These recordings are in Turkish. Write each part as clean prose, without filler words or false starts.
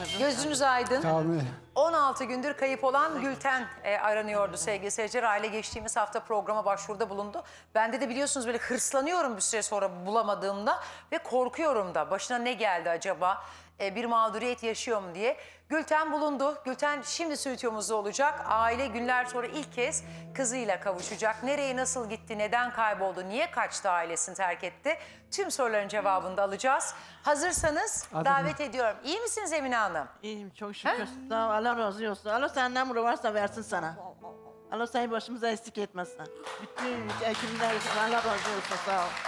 Gözünüz aydın. Sağ olun. 16 gündür kayıp olan Gülten aranıyordu sevgili seyirciler. Aile geçtiğimiz hafta programa başvuruda bulundu. Bende de biliyorsunuz böyle hırslanıyorum bir süre sonra bulamadığımda ve korkuyorum da. Başına ne geldi acaba? Bir mağduriyet yaşıyor mu diye. Gülten bulundu. Gülten şimdi stüdyomuzda olacak. Aile günler sonra ilk kez kızıyla kavuşacak. Nereye nasıl gitti, neden kayboldu, niye kaçtı, ailesini terk etti? Tüm soruların cevabını da alacağız. Hazırsanız davet ediyorum. İyi misiniz Emine Hanım? İyiyim çok şükür. Sağ ol, Allah razı olsun. Allah senden ne varsa versin sana. Allah seni başımıza eksik etmesin. Bütün hekimler Allah razı olsun, sağ ol.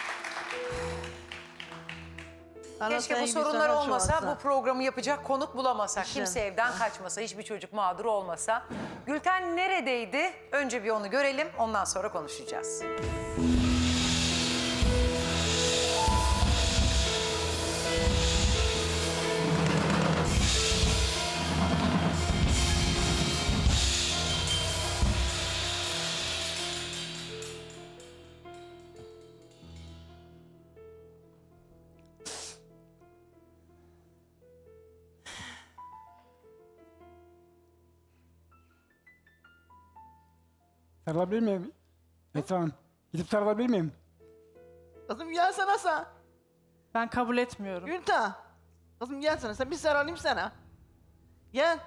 Allah Keşke bu seni sorunlar güzel olmasa, çoğalsın. bu programı yapacak konuk bulamasak, İşte. kimse evden kaçmasa, hiçbir çocuk mağdur olmasa. Gülten neredeydi? Önce bir onu görelim, ondan sonra konuşacağız. Sarılabilir miyim? Esra Hanım. Gidip sarılabilir miyim? Kızım gel sana sen. Ben kabul etmiyorum. Gülta. Kızım gel sana, sen bir sarılayım sana. Gel.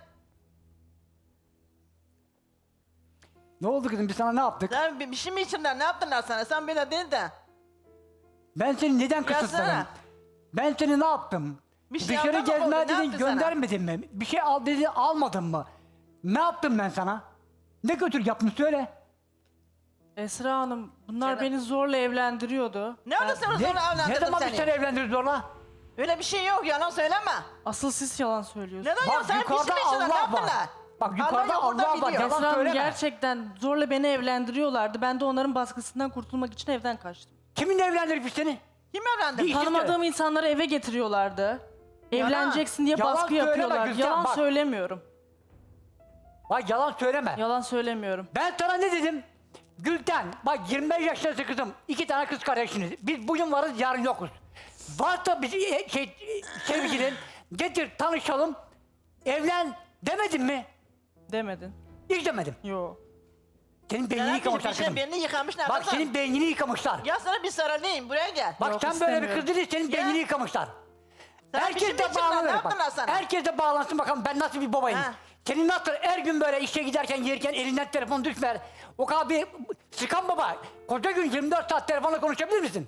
Ne oldu kızım? Biz sana ne yaptık? Sen bir şey mi içinler, ne yaptılar sana? Sen böyle değil de. Ben seni neden kısıtladım? Gelsene. Ben seni ne yaptım? Bir şey Dışarı yaptın mı gezmeye oldu? Ne dedin, yaptı sana? göndermedin mi? Bir şey al dedin, almadın mı? Ne yaptım ben sana? Ne götür yaptın söyle. Esra Hanım, bunlar Canım. beni zorla evlendiriyordu. Ne oldu sana Ne, sonra ne evlendirdim zaman bir seni? seni evlendirir zorla? Öyle bir şey yok, yalan söyleme. Asıl siz yalan söylüyorsunuz. Neden ya? Bak Sen bir şey yukarıda mi içinler, ne Allah yaptılar? var. Bak yukarıda Allah yolunda Allah var. biliyor. Yalan Esra Hanım söyleme. gerçekten zorla beni evlendiriyorlardı. Ben de onların baskısından kurtulmak için evden kaçtım. Kiminle evlendirmiş seni? Kim evlendi? Bir- Tanımadığım insanları eve getiriyorlardı. Evleneceksin diye Yalan baskı söyleme yapıyorlar. Gülten, Yalan bak. söylemiyorum. Bak yalan söyleme. Yalan söylemiyorum. Ben sana ne dedim? Gülten, bak 25 yaşındasın kızım. 2 tane kız kardeşiniz. Biz bugün varız, yarın yokuz. Varsa bir sevgilin, getir tanışalım, evlen demedim mi? Demedin. Hiç demedim. Yo. Senin beynini Neden yıkamışlar bir şey kızım. belini yıkamışlar Bak kızım? senin beynini yıkamışlar. Ya sana bir sarılayım, buraya gel. Bak Yok, sen böyle bir istemiyorum. kız değil, senin Ya. beynini yıkamışlar. Sen bir Herkes şey mi de içinler, ne bağlanır yaptılar bak. sana? Herkes de bağlansın bakalım ben nasıl bir babayım. Ha. Senin nasıl her gün böyle işe giderken yerken elinden telefon düşmer. O kadar bir sıkan baba. Koca gün 24 saat telefonla konuşabilir misin?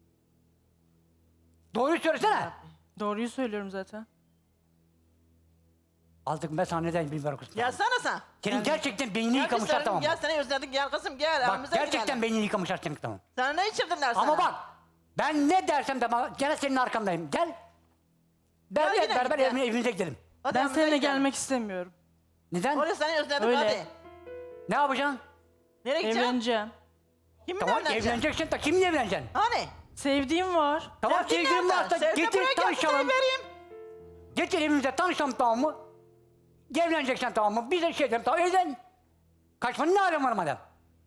Doğruyu söylesene. Doğruyu söylüyorum zaten. Aldık ben sana neden bilmiyorum kızım. Gel sana sen. Senin gerçekten beynini Gel bir yıkamışlar sarılayım, tamam. gel seni özledik, gel kızım gel. Bak aramıza gerçekten girelim. beynini yıkamışlar senin tamam. Sana ne içirdiler sana? Ama bak ben ne dersem de bana gene senin arkandayım. Gel. Gel yine Beraber git, gel. evimize gidelim. Hadi Ben aramıza seninle gidelim. gelmek istemiyorum. Neden? Oraya seni özledim Öyle. hadi. Ne yapacaksın? Nereye gideceksin? Evleneceğim. Kiminle Tamam evleneceksin? evleneceksin de kiminle evleneceksin? Hani? Sevdiğim var. Tamam Sevgilin sevgilim nerede? varsa Sevgili getir buraya gel, tanışalım. seni vereyim. Getir evimize tanışalım tamam mı? Evleneceksen tamam mı? Biz de şey dedim tamam evlen. Kaçmanın ne alemi var madem?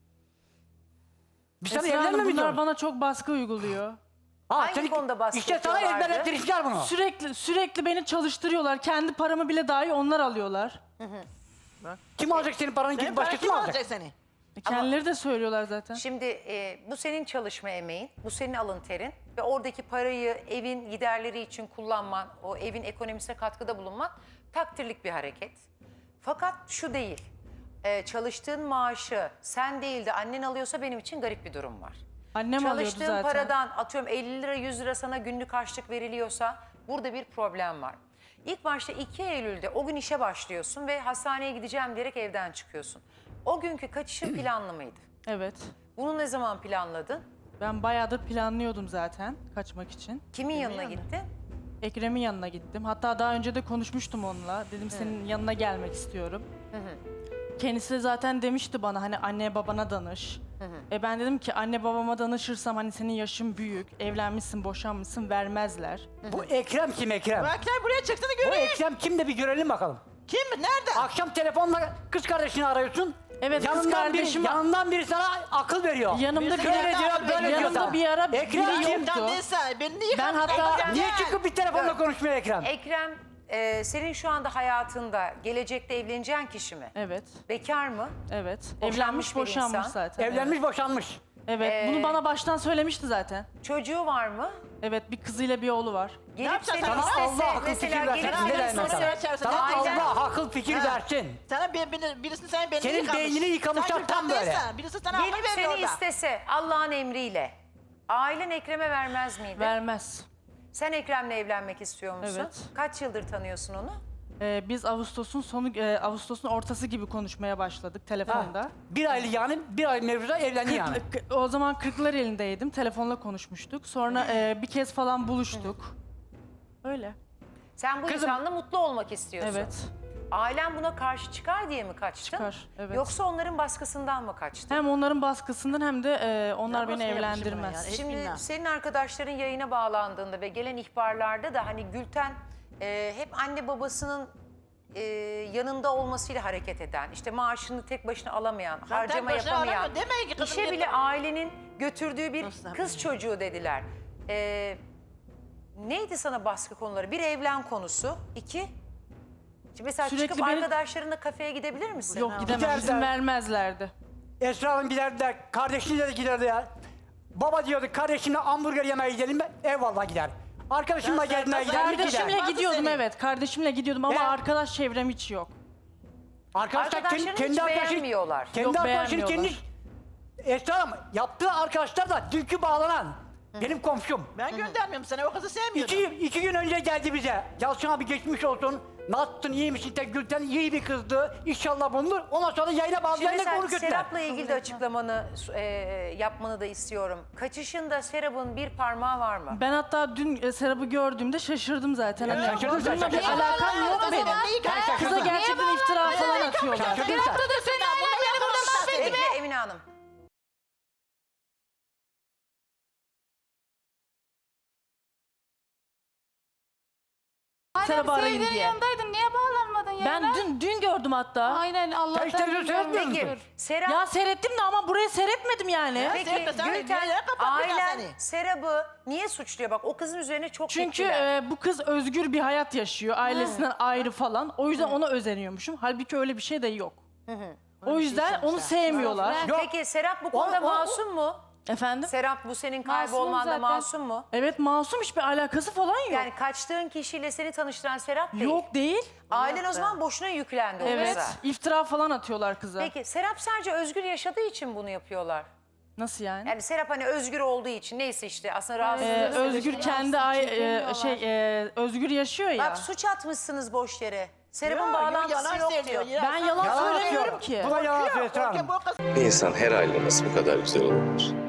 Biz sana Esra Hanım, evlenme mi bunlar diyoruz? bana çok baskı uyguluyor. Hangi konuda baskı İşte sana yapıyorlardı? ezberlettirmişler bunu. Sürekli beni çalıştırıyorlar. Kendi paramı bile dahi onlar alıyorlar. Kim alacak senin paranı Senin gidip para başkası kim mı alacak? alacak seni? Kendileri de söylüyorlar zaten. Şimdi bu senin çalışma emeğin, bu senin alın terin ve oradaki parayı evin giderleri için kullanman, o evin ekonomisine katkıda bulunman takdirlik bir hareket. Fakat şu değil, çalıştığın maaşı sen değil de annen alıyorsa benim için garip bir durum var. Annem alıyordu Çalıştığın zaten. paradan atıyorum 50 lira 100 lira sana günlük harçlık veriliyorsa burada bir problem var. İlk başta 2 Eylül'de o gün işe başlıyorsun ve hastaneye gideceğim diyerek evden çıkıyorsun. O günkü kaçışın planlı mıydı? Evet. Bunu ne zaman planladın? Ben bayağıdır planlıyordum zaten kaçmak için. Kimin yanına gittin? Ekrem'in yanına gittim. Hatta daha önce de konuşmuştum onunla. Dedim senin yanına gelmek istiyorum. Kendisi de zaten demişti bana hani anne babana danış. Ben dedim ki anne babama danışırsam hani senin yaşın büyük, evlenmişsin, boşanmışsın vermezler. Bu Ekrem kim Ekrem? Bak sen buraya çıktığını Bu göreyim. Ekrem kim de bir görelim bakalım. Kim? Nerede? Akşam telefonla kız kardeşini arıyorsun. Evet, kız kardeşim- yanından biri sana akıl veriyor. Yanımda bir Şöyle ara, diyor, böyle diyor yanımda sana. bir ara Ekrem biri kim? yoktu. Neyse, beni niye Ben hatta- Gel. Niye çıkıp bir telefonla konuşmuyor Ekrem? Ekrem senin şu anda hayatında gelecekte evleneceğin kişi mi? Evet. Bekar mı? Evet. Boşanmış Evlenmiş, bir boşanmış insan. zaten. Evlenmiş boşanmış. Evet. Bunu bana baştan söylemişti zaten. Çocuğu var mı? Evet, bir kızıyla bir oğlu var. Gelip yapacaksın? seni Sana istese, Allah akıl fikir mesela versin. gelip Ne seni demek istese, sana? Sana Sana aileden- Allah akıl fikir Ha. versin. Sana birisini senin beynini Senin yıkamış. beynini yıkamışlar Sen tam Gülten böyle. değilsen, birisi sana akıl gelip verdi seni orada. istese Allah'ın emriyle ailen Ekrem'e vermez miydi? Vermez. Sen Ekrem'le evlenmek istiyor musun? Evet. Kaç yıldır tanıyorsun onu? Biz Ağustos'un ortası gibi konuşmaya başladık telefonda. Bir aylık yani bir ay mevzuda evlendi yani. O zaman Kırklar elindeydim. Telefonla konuşmuştuk. Sonra bir kez falan buluştuk. Öyle. Sen bu Kızım- insanla mutlu olmak istiyorsun. Evet. Ailen buna karşı çıkar diye mi kaçtın? Çıkar, evet. Yoksa onların baskısından mı kaçtın? Hem onların baskısından hem de onlar Ya beni nasıl yapmışım evlendirmez. ben yani? Şimdi Bismillah. senin arkadaşların yayına bağlandığında ve gelen ihbarlarda da hani Gülten hep anne babasının yanında olmasıyla hareket eden, işte maaşını tek başına alamayan, Ben harcama tek başına yapamayan, alamıyorum. Demeyin ki kızım işe bile yeter. ailenin götürdüğü bir Nasıl kız çocuğu dediler. Neydi sana baskı konuları? Bir, evlen konusu. İki, şimdi mesela Sürekli çıkıp beni- arkadaşlarınla kafeye gidebilir misin? Yok gidemem. Giderler. İzin vermezlerdi. Esra Hanım giderdi, kardeşiyle de giderdi ya. Baba diyordu kardeşimle hamburger yemeye gidelim mi? Eyvallah gider. Arkadaşımla Ya sen- gezmeye gider mi? Gider. Kardeşimle Vardı gidiyordum senin. evet. Kardeşimle gidiyordum ama Ya. arkadaş çevrem hiç yok. Arkadaşlarını hiç beğenmiyorlar. Kendi Yok, arkadaşını kendi... beğenmiyorlar. Esra Hanım yaptığı arkadaşlar da dünkü bağlanan. Benim komşum. Ben göndermiyorum sana, o kızı sevmiyordum. İki gün önce geldi bize. Yalçın abi geçmiş olsun. Nasılsın, iyi misin? Gülten iyi bir kızdı. İnşallah bulunur. Ondan sonra yayına Şimdi bağlayanlar mesela onu götürdüler. Serap'la ilgili de açıklamanı yapmanı da istiyorum. Kaçışında Serap'ın bir parmağı var mı? Ben hatta dün Serap'ı gördüğümde şaşırdım zaten. Hani şaşırdın sen, bununla bir şaşırdın. alakam yok benim. Kıza gerçekten iftira falan atıyorlar. Şaşırdın sen. Bekle Emine Hanım. Serap'ı arayın Sevdiğinin diye. yanındaydın. Niye bağlanmadın ya? Ben dün gördüm hatta. Aynen Allah'tan. Sen işte seyretmiyor musun? Peki Serap, Ya seyrettim de ama burayı seyretmedim yani. peki Serap, sen Gülten niye kapatmadın ailen seni? Serap'ı niye suçluyor? Bak o kızın üzerine çok Çünkü gittiler. bu kız özgür bir hayat yaşıyor. Ailesinden ayrı falan. O yüzden ona özeniyormuşum. Halbuki öyle bir şey de yok. O yüzden onu sevmiyorlar. Yok. Peki Serap bu konuda o- masum mu? Efendim? Serap bu senin Masumum kaybolmanda zaten. masum mu? Evet masum, hiçbir alakası falan yok. Yani kaçtığın kişiyle seni tanıştıran Serap değil. Yok değil. Ailen o zaman boşuna yüklendi o Evet. kıza. İftira falan atıyorlar kıza. Peki Serap sadece özgür yaşadığı için bunu yapıyorlar. Nasıl yani? Yani Serap hani özgür olduğu için neyse işte aslında rahatsızlığı Özgür kendi özgür yaşıyor ya. Bak suç atmışsınız boş yere. Serap'ın Yok, bağlantısı yalan yok söylüyor, diyor. Ben yalan Yalan söylemiyorum atıyor. ki. Bu da yalan atıyor Esra Korkuyor, Hanım. bu kız Bir insan her halde nasıl bu kadar güzel olabilir?